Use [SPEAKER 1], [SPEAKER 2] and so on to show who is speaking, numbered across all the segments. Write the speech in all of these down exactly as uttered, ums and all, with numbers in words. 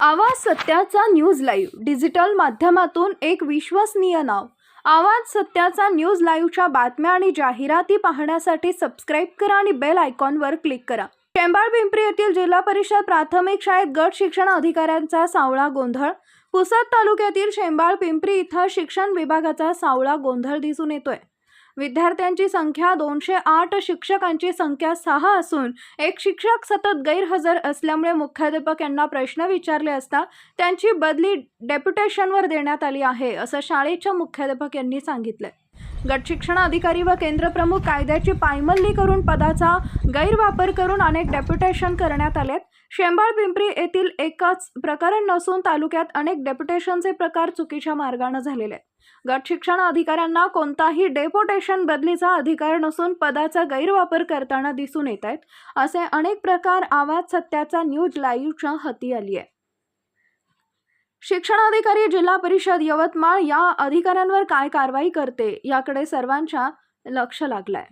[SPEAKER 1] आवाज सत्याचा news live digital माध्यमातून एक विश्वसनीय नाव। आवाज सत्याचा न्यूज लाईव्हच्या बातम्या आणि जाहिराती पाहण्यासाठी सबस्क्राइब करा आणि बेल आयकॉनवर क्लिक करा। शेंबाळ पिंपरी येथील जिल्हा परिषद प्राथमिक शाळेत गट शिक्षण अधिकाऱ्यांचा सावळा गोंधळ। पुसद तालुक्यातील शेंबाळ पिंपरी इथं शिक्षण विभागाचा सावळा गोंधळ दिसून येतोय। विद्यार्थ्यांची संख्या दोनशे आठ, शिक्षकांची संख्या सहा असून एक शिक्षक सतत गैरहजर असल्यामुळे मुख्याध्यापक यांना प्रश्न विचारले असता त्यांची बदली डेप्युटेशनवर देण्यात आली आहे, असं शाळेच्या मुख्याध्यापक यांनी सांगितले। गट शिक्षण अधिकारी व केंद्र प्रमुख कायद्याची पायमल्ली करून पदाचा गैरवापर करून अनेक डेप्युटेशन करण्यात आलेत। शेंबाळ पिंपरी येथील एकच प्रकरण नसून तालुक्यात अनेक डेप्युटेशनचे प्रकार चुकीच्या मार्गाने झालेले आहेत। गट शिक्षण अधिकाऱ्यांना कोणताही डेप्युटेशन बदलीचा अधिकार नसून पदाचा गैरवापर करताना दिसून येत आहेत, असे अनेक प्रकार आवाज सत्याचा न्यूज लाईव्हच्या हाती आली आहे। शिक्षण अधिकारी जिल्हा परिषद यवतमाळ या अधिकाऱ्यांवर काय कारवाई करते याकडे सर्वांच्या लक्ष लागलंय।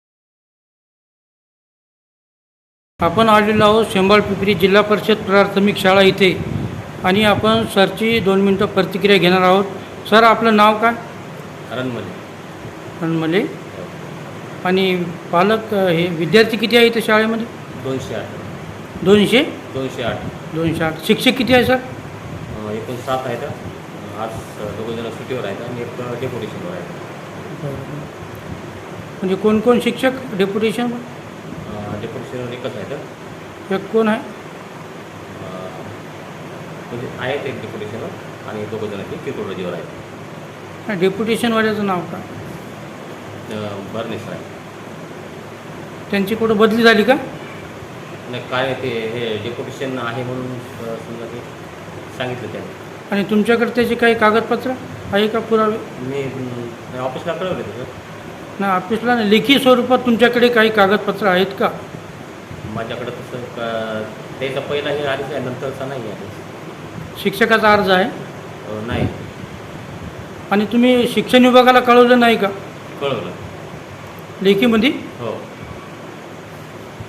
[SPEAKER 2] आपण आलेलो आहोत शेंबाळ पिंपरी जिल्हा परिषद प्राथमिक शाळा इथे आणि आपण सरची दोन मिनिटं प्रतिक्रिया घेणार आहोत। सर, आपलं नाव काय?
[SPEAKER 3] रणमले।
[SPEAKER 2] रणमले। आणि पालक हे विद्यार्थी किती आहे इथे शाळेमध्ये?
[SPEAKER 3] दोनशे आठ।
[SPEAKER 2] दोनशे
[SPEAKER 3] दोनशे आठ
[SPEAKER 2] दोनशे आठ शिक्षक किती आहे सर?
[SPEAKER 3] एकूण सात आहेत। आज दोघं जण सुट्टीवर आहेत आणि एक डेप्युटेशनवर आहे।
[SPEAKER 2] म्हणजे कोण कोण शिक्षक डेप्युटेशन?
[SPEAKER 3] डेप्युटेशनवर एकच आहेत।
[SPEAKER 2] एक कोण आहे?
[SPEAKER 3] म्हणजे आहेत एक डेप्युटेशनवर आणि दोघं जण ते किरकोळ रजेवर आहेत।
[SPEAKER 2] डेप्युटेशनवाल्याचं नाव काय?
[SPEAKER 3] बर्नेसर आहे।
[SPEAKER 2] त्यांची कुठं बदली झाली का?
[SPEAKER 3] नाही, काय ते हे डेप्युटेशन आहे म्हणून समजा ते सांगितलं त्यांनी।
[SPEAKER 2] आणि तुमच्याकडे त्याचे काही कागदपत्र आहे का, पुरावे?
[SPEAKER 3] मी ऑफिसला कळवले सर।
[SPEAKER 2] नाही, ऑफिसला नाही, लेखी स्वरूपात तुमच्याकडे काही कागदपत्र आहेत का?
[SPEAKER 3] माझ्याकडे तसं का त्याचा पहिला हे आधीच आहे, नंतरचा नाही आहे।
[SPEAKER 2] शिक्षकाचा अर्ज आहे?
[SPEAKER 3] नाही।
[SPEAKER 2] आणि तुम्ही शिक्षण विभागाला कळवलं नाही का?
[SPEAKER 3] कळवलं
[SPEAKER 2] लेखीमध्ये?
[SPEAKER 3] हो।